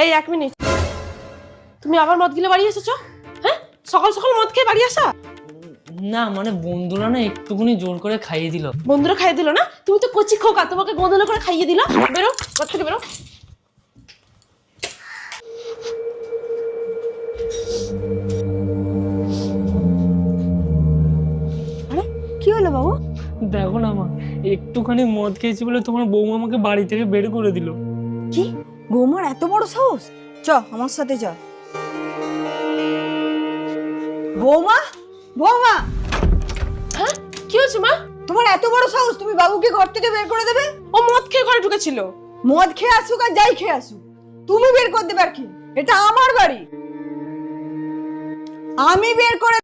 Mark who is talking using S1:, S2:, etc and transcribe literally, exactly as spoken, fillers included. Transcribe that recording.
S1: এই এক মিনিট, তুমি আবার মদ গিলে বাড়ি এসেছো? হ্যাঁ, সকাল সকাল মদ খেয়ে বাড়ি আসা?
S2: না মানে বন্ধুরা না একটুখানি জোর করে খাইয়ে দিল।
S1: বন্ধুরা খাইয়ে দিল না? তুমি তো কচি খোকা, তোমাকে গোদলে করে খাইয়ে দিল। বেরো ঘর থেকে, বেরো।
S3: আরে কি হলো বাবু?
S2: দেখো না মা, একটুখানি মদ খেয়েছি বলে তোমার বৌমা আমাকে বাড়ি থেকে বের করে দিল।
S3: কি বৌমার এত বড় সাহস? চ আমার সাথে চ। বৌমা, বৌমা,
S1: হ্যাঁ, কি হয়েছে মা?
S3: তোমার এত বড় সাহস, তুমি বাবুকে ঘর থেকে বের করে দেবে?
S1: ও মদ খেয়ে ঘরে ঢুকেছিল।
S3: মদ খেয়ে আসুক আর যাই খেয়ে আসুক, তুমি বের করে দেবে আর কি? এটা আমার বাড়ি, আমি বের করে